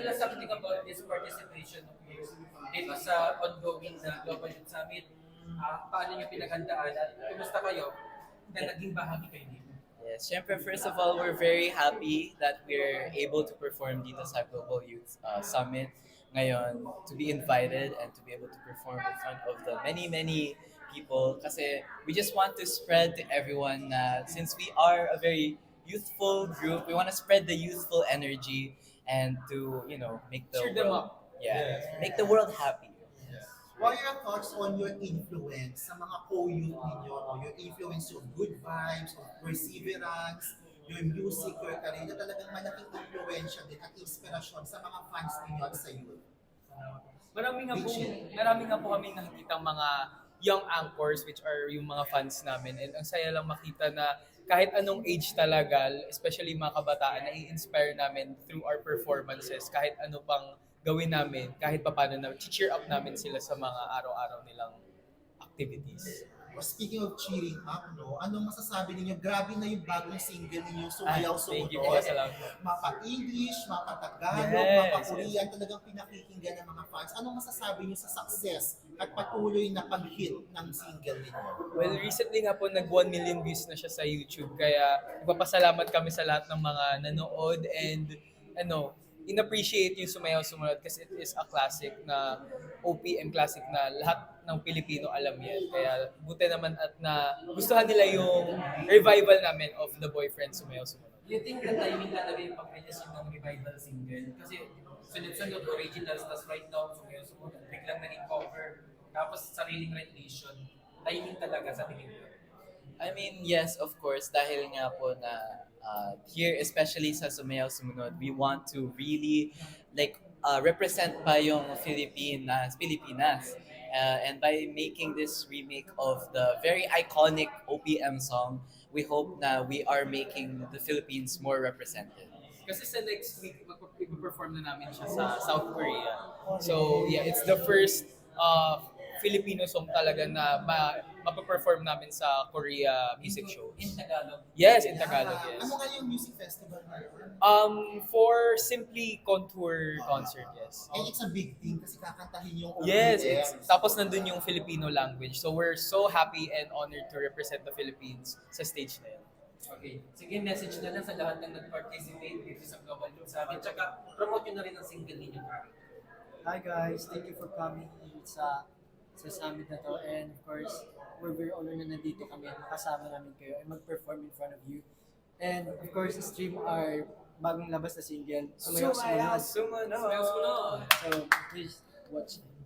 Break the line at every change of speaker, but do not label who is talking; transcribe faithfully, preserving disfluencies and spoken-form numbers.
tell us something about this participation of yours dito sa ongoing na Global Youth Summit? Uh, paano niyo pinaghandaan? At kumusta kayo na naging bahagi kayo dito?
Yes, syempre, first of all, we're very happy that we're able to perform dito sa Global Youth uh, Summit ngayon, to be invited and to be able to perform in front of the many, many people. Kasi we just want to spread to everyone na since we are a very youthful group, we want to spread the youthful energy and to, you know, make the
Cheer them
world,
up.
yeah, make the world happy.
What are your thoughts on your influence sa mga co-youth ninyo? No? Your influence, your good vibes, your perseverance, your music, your career, na talagang malaking influensya din at inspirasyon sa mga fans ninyo at sa youth.
Marami nga po,
Richie.
marami nga po kami nakikitang mga young anchors which are yung mga fans namin, and ang saya lang makita na kahit anong age talaga, especially mga kabataan, na-inspire namin through our performances, kahit ano pang gawin namin, kahit paano na cheer up namin sila sa mga araw-araw nilang activities.
Well, speaking of cheering up, no, anong masasabi ninyo? Grabe na yung bagong single ninyo, Sumayaw
Thank you
Sumunod.
po, salamat.
Mapa-English, mapa-Tagalog,
Yes,
mapa-Korean, talagang pinakikinggan ng mga fans. Anong masasabi niyo sa success at patuloy na pag-hit ng single ninyo?
Well, recently nga po nag one million views na siya sa YouTube, kaya nagpapasalamat kami sa lahat ng mga nanood and ano, in-appreciate yung Sumayaw Sumunod kasi it is a classic na O P M classic na lahat ng Pilipino alam yan. Kaya buti naman at na gustuhan nila yung revival namin of The Boyfriend Sumayaw Sumunod.
You think the timing talaga yung pag-release yun ng revival single? Kasi sunod-sunod originals, tas right now, sumayaw sumunod, biglang naging cover, tapos sariling rendition. Timing talaga sa tingin ko.
I mean, yes, of course, dahil nga po na uh, here, especially sa Sumayaw Sumunod, we want to really like uh, represent pa yung Filipinas, Pilipinas. Uh, and by making this remake of the very iconic O P M song, we hope na we are making the Philippines more represented.
Kasi sa next week, mag-perform na namin siya sa South Korea. So yeah, it's the first uh, Filipino song talaga na ma- mapaperform namin sa Korea music shows.
In Tagalog.
Yes, in Tagalog,
Ah,
yes.
Ano nga yung music festival na yun?
Um, for Simply Contour concert, yes.
And it's a big thing kasi kakantahin yung O P M.
Yes, it's, tapos nandun yung Filipino language. So we're so happy and honored to represent the Philippines sa stage na yun.
Okay. Sige, message na lang sa lahat ng nag-participate dito sa Global Youth Summit. Tsaka promote nyo na rin ang single ninyo.
Hi guys, thank you for coming sa sa summit na to, and of course, we're very honored na nandito kami, makasama namin kayo and mag-perform in front of you. And of course, stream our bagong labas na single, Sumayaw Sumunod.
Sumunod!
Sumayaw Sumunod!
So please watch it.